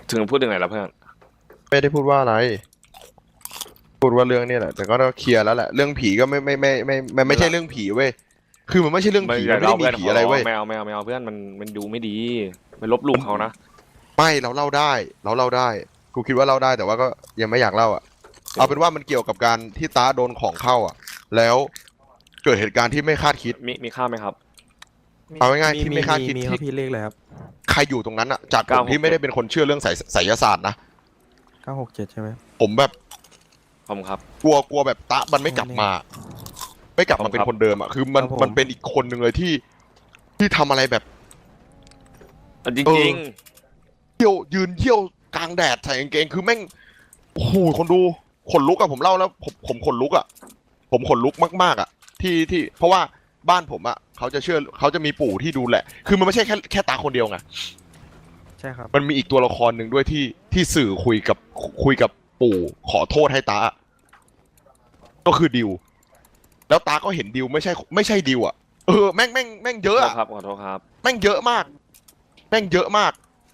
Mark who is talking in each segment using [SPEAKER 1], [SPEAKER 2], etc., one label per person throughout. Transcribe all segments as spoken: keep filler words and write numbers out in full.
[SPEAKER 1] ถึงพูดยังไงแล้วเพื่อน
[SPEAKER 2] ไม่ได้พูดว่าอะไรพูดว่าเรื่องนี้แหละแต่ก็ต้องเคลียร์แล้วแหละเรื่องผีก็ไม่ไม่ไม่ไม่ไม่ไม่ใช่เรื่องผีเว้ยคือมันไม่ใช่เรื่องผีมันไม่ได้มีผีอะไรเว้ย
[SPEAKER 1] ไม่เอาไม่เอาไม่เอาเพื่อนมันมันดูไม่ดีไม่ลบหลู่เขานะ
[SPEAKER 2] ไม่เราเล่าได้เราเล่าได้กูคิดว่าเล่าได้แต่ว่าก็ยังไม่อยากเล่าอ่ะเอาเป็นว่ามันเกี่ยวกับการที่ตาโดนของเข้าอ่ะแล้วเกิดเหตุการณ์ที่ไม่คาดคิด
[SPEAKER 1] มีมีข้าวไหมครับ
[SPEAKER 2] เอาง่ายๆที่ไม่คาดคิด
[SPEAKER 3] มีครับพี่เลขเลยครับ
[SPEAKER 2] ใครอยู่ตรงนั้นอ่ะจากผมที่ไม่ได้เป็นคนเชื่อเรื่องไสไสยศาสตร์นะ
[SPEAKER 3] เก้าหกเจ็ดใช่ไหม
[SPEAKER 2] ผมแบบ
[SPEAKER 1] ผมครับ
[SPEAKER 2] กลัวกลัวแบบตะมันไม่กลับมา ไม่กลับมาเป็นคนเดิมอ่ะคือมันมันเป็นอีกคนหนึ่งเลยที่ที่ทำอะไรแบบ
[SPEAKER 1] จริงจริง
[SPEAKER 2] เที่ยวยืนเที่ยวกลางแดดใส่กางเกงคือแม่งโอ้โหคนดูขนลุกอะผมเล่าแล้วผมผมขนลุกอะผมขนลุกมากๆอะที่ที่เพราะว่าบ้านผมอะเขาจะเชื่อเขาจะมีปู่ที่ดูแลคือมันไม่ใช่แค่แค่ตาคนเดียวไง
[SPEAKER 3] ใช่ครับ
[SPEAKER 2] มันมีอีกตัวละครหนึ่งด้วยที่ที่สื่อคุยกับคุยกับปู่ขอโทษให้ตาก็คือดิวแล้วตาก็เห็นดิวไม่ใช่ไม่ใช่ดิวอะเออแม่งแม่งแม่งเยอะอะ
[SPEAKER 1] ครับขอโทษครับ
[SPEAKER 2] แม่งเยอะมากแม่งเยอะมาก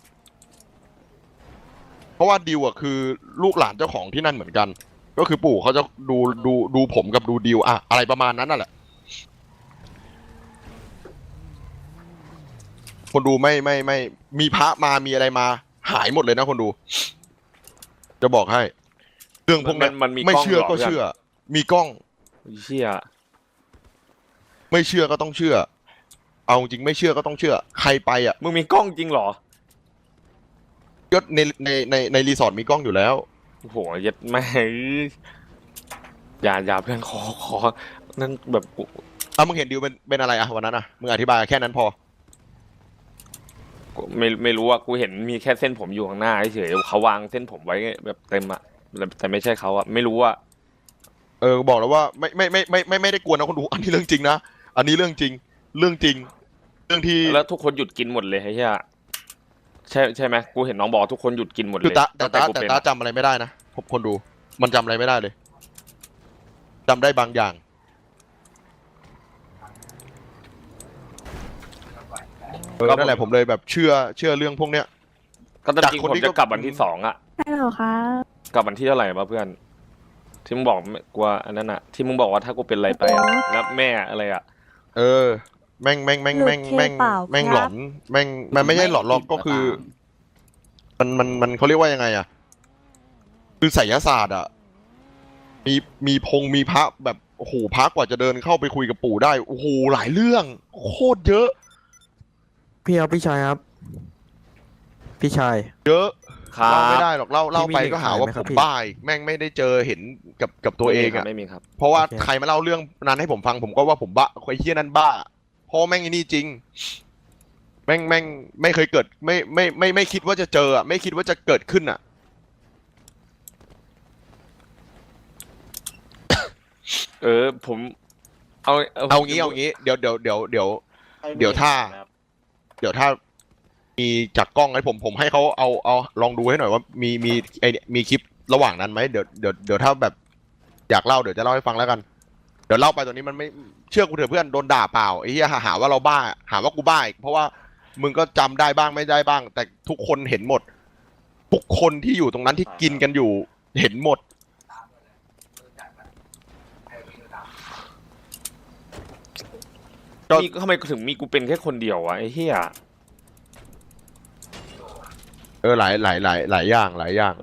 [SPEAKER 2] เพราะว่าดิวอ่ะคือลูกหลานเจ้าของที่นั่นเหมือนกันก็คือปู่เขาจะดูดูดูผมกับดูดิวอะอะไรประมาณนั้นนั่นแหละคนดูไม่ไม่ไม่มีพระมามีอะไรมาหายหมดเลยนะคนดูจะบอกให้เรื่องพวกนั้นไม่เชื่อก็เชื่อมีกล้อง
[SPEAKER 1] เชื่อ
[SPEAKER 2] ไม่เชื่อก็ต้องเชื่อเอาจริงไม่เชื่อก็ต้องเชื่อใครไปอ่ะ
[SPEAKER 1] มึงมีกล้องจริงเหรอ
[SPEAKER 2] ก็ในในในในรีสอร์ทมีกล้องอยู่แล้ว
[SPEAKER 1] โอ้โหยัดไม่อย่าอย่าเพื่อนขอขอนั่นแบบ
[SPEAKER 2] อ่ะมึงเห็นดิวเป็นเป็นอะไรอ่ะวันนั้นอ่ะมึงอธิบายแค่นั้นพอ
[SPEAKER 1] ไม่ไม่รู้ว่ากูเห็นมีแค่เส้นผมอยู่ข้างหน้าเฉยเขาวางเส้นผมไว้แบบเต็มอะแต่ไม่ใช่เขาอะไม่รู้ว่า
[SPEAKER 2] เออบอกแล้วว่าไม่ไม่ไม่ไม่ไม่ไม่ได้กวนนะคนดูอันนี้เรื่องจริงนะอันนี้เรื่องจริงเรื่องจริงเรื่องที่
[SPEAKER 1] แล้วทุกคนหยุดกินหมดเลยไอ้เหี้ยใช่ใช่ไหมกูเห็นน้องบอกทุกคนหยุดกินหมดเลย
[SPEAKER 2] แต่ตาแต่ตาจำอะไรไม่ได้นะผมคนดูมันจำอะไรไม่ได้เลยจำได้บางอย่างเออนั่นแหละผมเลยแบบเชื่อเชื่อเรื่องพวกเนี้ย
[SPEAKER 1] ก็ตอนจริงผมจะกลับวันที่สองอะ
[SPEAKER 4] ใช่หรอคะ
[SPEAKER 1] กลับวันที่เท่าไหร่มาเพื่อนที่มึงบอกกลัวอันนั้นอะที่มึงบอกว่าถ้ากูเป็นอะไรไปอะแล้วแม่อะไรอะ
[SPEAKER 2] เออแม่งแม่งแม่งแม่งแม่งแม่งหลอนแม่งมันไม่ใช่หลอนหรอกก็คือมันมันมันเขาเรียกว่ายังไงอะคือไสยศาสตร์อะมีมีพงมีพระแบบโอ้โหพระกว่าจะเดินเข้าไปคุยกับปู่ได้โอ้โหหลายเรื่องโคตรเยอะ
[SPEAKER 3] พี่ครับพี่ชายครับพี่ชาย
[SPEAKER 2] เยอะเล่าไม่ได้หรอกเล่าเล่าไปก็หาว่าผมบ้าแม่งไม่ได้เจอเห็นกับกับตัวเองอะ
[SPEAKER 1] ไม่มีครับ
[SPEAKER 2] เพราะว่าใครมาเล่าเรื่องนั้นให้ผมฟังผมก็ว่าผมบ้าไอ้เหี้ยนั้นบ้าเพราะแม่งไอ้นี่จริงแม่งแม่งไม่เคยเกิดไม่ไม่ไม่ไม่คิดว่าจะเจออะไม่คิดว่าจะเกิดขึ้นอะ
[SPEAKER 1] เออผมเอา
[SPEAKER 2] เอางี้เอางี้เดี๋ยวเดี๋ยวเดี๋ยวเดี๋ยวเดี๋ยวถ้าเดี๋ยวถ้ามีจากกล้องให้ผมผมให้เขาเอาเอาลองดูให้หน่อยว่ามีมีไอมีคลิประหว่างนั้นไหมเดี๋ยวเดี๋ยวเดี๋ยวถ้าแบบอยากเล่าเดี๋ยวจะเล่าให้ฟังแล้วกันเดี๋ยวเล่าไปตอนนี้มันไม่เชื่อกูเถอะเพื่อนโดนด่าเปล่าไอ้เหี้ยหาว่าเราบ้าหาว่ากูบ้าอีกเพราะว่ามึงก็จำได้บ้างไม่ได้บ้างแต่ทุกคนเห็นหมดทุกคนที่อยู่ตรงนั้นที่กินกันอยู่เห็นหมด
[SPEAKER 1] มีทำไมถึงมีกูเป็นแค่คนเดียววะไอ้เหี้ย
[SPEAKER 2] เออหลายหลายหลายหลายอย่างหลายอย่าง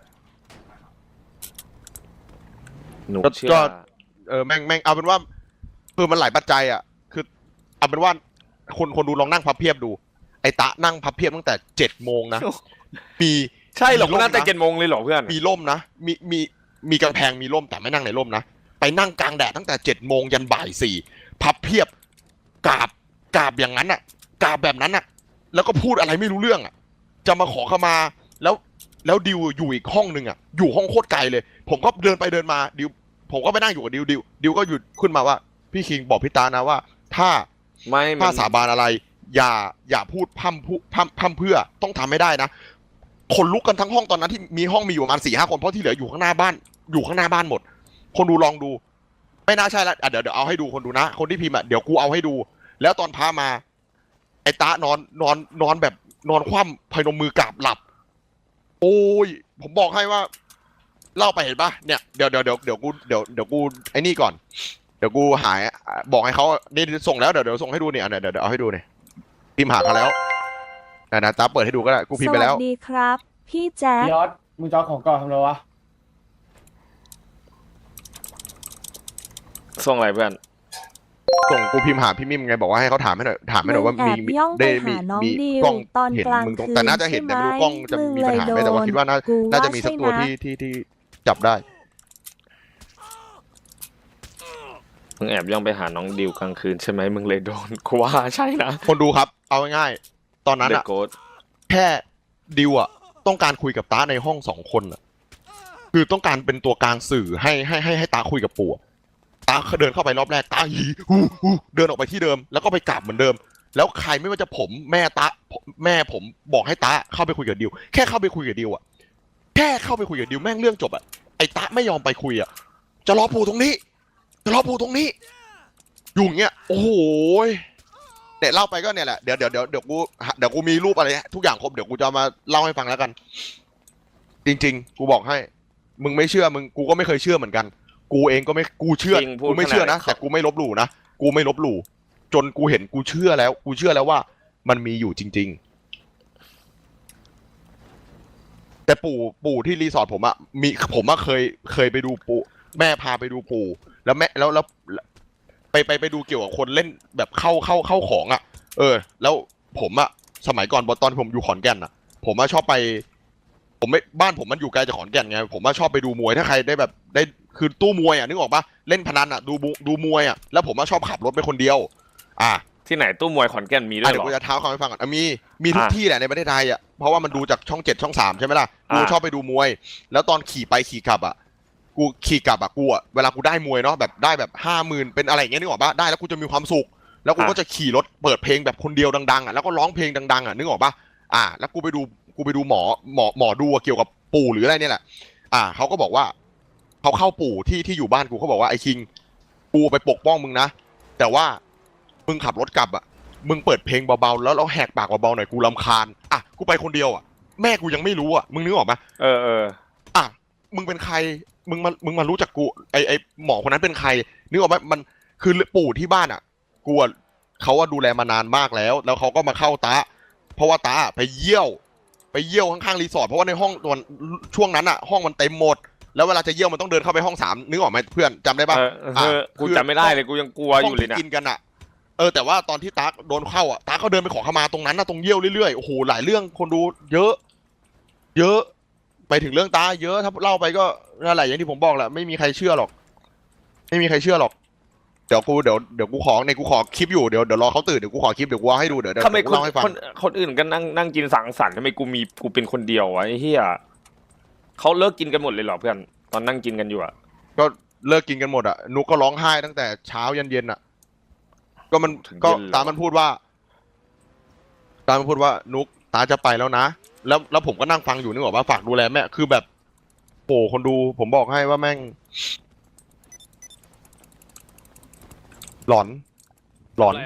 [SPEAKER 1] หนูเชื่
[SPEAKER 2] อ
[SPEAKER 1] อ
[SPEAKER 2] เออแม่งแม่งเอาเป็นว่าคือมันหลายปัจจัยอ่ะคือเอาเป็นว่าคนคนดูลองนั่งพับเพียบดูไอ้ตะนั่งพับเพียบตั้งแต่เจ็ดโมงนะมี
[SPEAKER 1] ใช่หรอนั่งแต่เจ็ดโมงเลยหรอเพื่อน
[SPEAKER 2] มีร่มนะมีมีมีกำแพงมีร่มแต่ไม่นั่งในร่มนะไปนั่งกลางแดดตั้งแต่เจ็ดโมงยันบ่ายสี่พับเพียบกราบกราบอย่างนั้นอ่ะกราบแบบนั้นอ่ะแล้วก็พูดอะไรไม่รู้เรื่องอ่ะจะมาขอขมาแล้วแล้วดิวอยู่อีกห้องนึงอ่ะอยู่ห้องโคตรไกลเลยผมก็เดินไปเดินมาดิวผมก็ไปนั่งอยู่กับดิวดิวดิวก็หยุดขึ้นมาว่าพี่คิงบอกพี่ตานะว่าถ้า
[SPEAKER 1] ไม่
[SPEAKER 2] ถ้าสาบานอะไรอย่าอย่าพูดพั่มพูพั่มพั่มเพื่อต้องทำไม่ได้นะคนลุกกันทั้งห้องตอนนั้นที่มีห้องมีอยู่ประมาณสี่ห้าคนเพราะที่เหลืออยู่ข้างหน้าบ้านอยู่ข้างหน้าบ้านหมดคนดูลองดูไม่น่าใช่แล้วเดี๋ยวเดี๋ยวเอาให้ดูคนดูนะคนที่พิมพ์อ่ะเดี๋ยวกูเอาให้ดูแล้วตอนพามาไอ้ตานอนนอนนอนแบบนอนคว่ำพนมมือกราบหลับโอ้ยผมบอกให้ว่าเล่าไปเห็นปะเนี่ยเดี๋ยวเดี๋ยวเดี๋ยวเดี๋ยวกูเดี๋ยวเดี๋ยวกูไอ้นี่ก่อนเดี๋ยวกูหายบอกให้เขานี่ส่งแล้วเดี๋ยวเดี๋ยวส่งให้ดูเนี่ยเดี๋ยวเดี๋ยวเอาให้ดูเนี่ยพิมพ์หาเขาแล้วนะนะตาเปิดให้ดูก็ได้กูพิมพ์ไปแล้ว
[SPEAKER 4] สวัสดีครับ พี่แจ๊ค
[SPEAKER 5] พี่ออสมึงจะเอาของก่อนทำไรวะ
[SPEAKER 1] ส่งอะไรเพื่อน
[SPEAKER 2] ส่งกูพิมพ์หาพี่มิมไงบอกว่าให้เขาถามให้หน่อยถามให้หน่อยว่า
[SPEAKER 4] แอ
[SPEAKER 2] มี
[SPEAKER 4] บ
[SPEAKER 2] มี
[SPEAKER 4] ย่องไป
[SPEAKER 2] ได้มี
[SPEAKER 4] หาน้อง
[SPEAKER 2] มี
[SPEAKER 4] ดิว
[SPEAKER 2] กล้อง
[SPEAKER 4] ตอน
[SPEAKER 2] เห็น
[SPEAKER 4] กลาง
[SPEAKER 2] มึงตรง
[SPEAKER 4] คืน
[SPEAKER 2] แต่น่าจะเห็น
[SPEAKER 4] ใช่
[SPEAKER 2] แต่
[SPEAKER 4] ไหม
[SPEAKER 2] ไม่รู้กล้องจะ
[SPEAKER 4] มึง
[SPEAKER 2] มีปัญหาไหม
[SPEAKER 4] เลย
[SPEAKER 2] แต่ว่า
[SPEAKER 4] โดน
[SPEAKER 2] คิดว่าน่า
[SPEAKER 4] กู
[SPEAKER 2] น่าจะ
[SPEAKER 4] ว่า
[SPEAKER 2] มีสักตัว
[SPEAKER 4] ใช่นะ
[SPEAKER 2] ที่ที่ที่จับได้
[SPEAKER 1] มึงแอบย่องไปหาน้องดิวกลางคืนใช่ไหมมึงเลยโดนกูว่าใช่นะ
[SPEAKER 2] คนดูครับเอาง่ายๆตอนนั้น
[SPEAKER 1] เด
[SPEAKER 2] อะ
[SPEAKER 1] อะโกด
[SPEAKER 2] แค่ดิวอะต้องการคุยกับตาในห้องสองคนอะคือต้องการเป็นตัวกลางสื่อให้ให้ให้ให้ตาคุยกับปู่อะตาเดินเข้าไปรอบแรกตาหีฮูฮูเดินออกไปที่เดิมแล้วก็ไปกลับเหมือนเดิม แล้วใครไม่ว่าจะผมแม่ตาแม่ผมบอกให้ตาเข้าไปคุยกับดิวแค่เข้าไปคุยกับดิวอะแค่เข้าไปคุยกับดิวแม่งเรื่องจบอะไอ้ตาไม่ยอมไปคุยอะจะรอปู่ตรงนี้จะรอปู่ตรงนี้อยู่อย่างเงี้ยโอ้โหเนี่ยเล่าไปก็เนี่ยแหละเดี๋ยวเดี๋ยวเดี๋ยวเดี๋ยวกูเดี๋ยวกูมีรูปอะไรทุกอย่างครบเดี๋ยวกูจะมาเล่าให้ฟังแล้วกัน จริงๆ กูบอกให้ มึงไม่เชื่อมึงกูก็ไม่เคยเชื่อเหมือนกัน กูเองก็ไม่กูเชื่อ
[SPEAKER 1] จริงพูด
[SPEAKER 2] กูไม่เชื่อนะ
[SPEAKER 1] ขนาด
[SPEAKER 2] แต่กูไม่ลบหลู่นะกูไม่ลบหลู่จนกูเห็นกูเชื่อแล้ว กูเชื่อแล้วว่ามันมีอยู่จริง ๆ แต่ปู่ปู่ที่รีสอร์ทผมอะมีผมอะเคยเคยไปดูปู่แม่พาไปดูปู่แล้วแม่แล้วแล้วไปไปไปดูเกี่ยวกับคนเล่นแบบเข้าเข้าเข้าของอะเออ แล้วผมอะสมัยก่อนตอนผมอยู่ขอนแก่นอะผมอะชอบไป ผมไม่บ้านผมมันอยู่ไกลจากขอนแก่นไงผมว่าชอบไปดูมวยถ้าใครได้แบบได้คือตู้มวยอ่ะนึกออกปะเล่นพนันอ่ะดูบุดูมวยอ่ะแล้วผมว่าชอบขับรถไปคนเดียว อ่ะ
[SPEAKER 1] ที่ไหนตู้มวยขอนแก่นมีด้ว
[SPEAKER 2] อ่ะ
[SPEAKER 1] ย
[SPEAKER 2] เดี๋
[SPEAKER 1] เห
[SPEAKER 2] ย
[SPEAKER 1] รอ
[SPEAKER 2] วกูจะเท้าความให้ฟังก่อนอ่ะมีมีทุก
[SPEAKER 1] อ่ะ
[SPEAKER 2] ที่แหละในประเทศไทยอ่ะเพราะว่ามันดูจากช่องเจ็ดช่องสามใช่ไหมล่ะกู
[SPEAKER 1] อ่ะ
[SPEAKER 2] ชอบไปดูมวย แล้วตอนขี่ไปขี่กลับอ่ะกูขี่กลับอ่ะกูอ่ะเวลากูได้มวยเนาะแบบได้แบบห้าหมื่นเป็นอะไรอย่างเงี้ยนึกออกปะได้แล้วกูจะมีความสุข แล้วกูก็จะขี่รถเปิดเพลงแบบคนเดียวดังๆอ่ะแล้วก็ร้องเพลงดังๆอ่ะนึกออกปะอ่ะแล้วกูไปดูกูไปดูหมอหมอหมอดูอ่ะเกี่ยวกับปู่หรืออะไรเนี่ยแหละ อ่าเขาก็บอกว่าเขาเข้าปู่ที่ที่อยู่บ้านกูเขาบอกว่าไอ้คิงกูไปปกป้องมึงนะแต่ว่ามึงขับรถกลับอ่ะมึงเปิดเพลงเบาๆแล้วเราแหกปากเบาๆหน่อยกูรำคาญอ่ะกูไปคนเดียวอ่ะแม่กูยังไม่รู้อ่ะมึงนึกออกไหม
[SPEAKER 1] เออเออ
[SPEAKER 2] อ่ะมึงเป็นใครมึงมามึงมารู้จักกูไอไอหมอคนนั้นเป็นใครนึกออกไหมมันคือปู่ที่บ้านอ่ะกูอ่ะเขาว่าดูแลมานานมากแล้ว แล้วเขาก็มาเข้าตาเพราะว่าตาไปเยี่ยวไปเยี่ยวข้างๆรีสอร์ทเพราะว่าในห้องตอนช่วงนั้นอ่ะห้องมันเต็มหมดแล้วเวลาจะเยี่ยวมันต้องเดินเข้าไปห้องสามนึกออกไหมเพื่อนจำได้ปะ
[SPEAKER 1] เออเออกูจำไม่ได้เลยกูยังกลัวอยู่เลย
[SPEAKER 2] ห้ง
[SPEAKER 1] นะ
[SPEAKER 2] ที่กินกันอ่ะเออแต่ว่าตอนที่ตาโดนเข้าอ่ะตาเขาเดินไปขอขมาตรงนั้นนะตรงเยี่ยวเรื่อยๆโอ้โหหลายเรื่องคนดูเยอะ เยอะไปถึงเรื่องตาเยอะถ้าเล่าไปก็นั่นแหละอย่างที่ผมบอกแหละไม่มีใครเชื่อหรอก ไม่มีใครเชื่อหรอกเดี๋ยวกูเดี๋ยวเดี๋ยวกูขอในกูขอคลิปอยู่เดี๋ยวเดี๋ยวรอเขาตื่นเดี๋ยวกูขอคลิปเดี๋ยวกูเอาให้ดูเดี๋ยวเดี๋ยว
[SPEAKER 1] ทำไม
[SPEAKER 2] กู
[SPEAKER 1] คน
[SPEAKER 2] เล่าให้ฟัง
[SPEAKER 1] คนคนอื่นก็นั่งนั่งกินสังสรรค์ทำไมกูมีกูเป็นคนเดียววะไอ้เหี้ยเขาเลิกกินกันหมดเลยเหรอเพื่อนตอนนั่งกินกันอยู่อะ
[SPEAKER 2] ก็เลิกกินกันหมดอ่ะนุกก็ร้องไห้ตั้งแต่เช้ายันเย็นอ่ะ ก็มันก็ตามันพูดว่า ตามันพูดว่านุกตาจะไปแล้วนะแล้วแล้วผมก็นั่งฟังอยู่นึกออกว่าฝากดูแลแม่คือแบบโอ้คนดูผมบอกให้ว่าแม่ง หลอน หลอน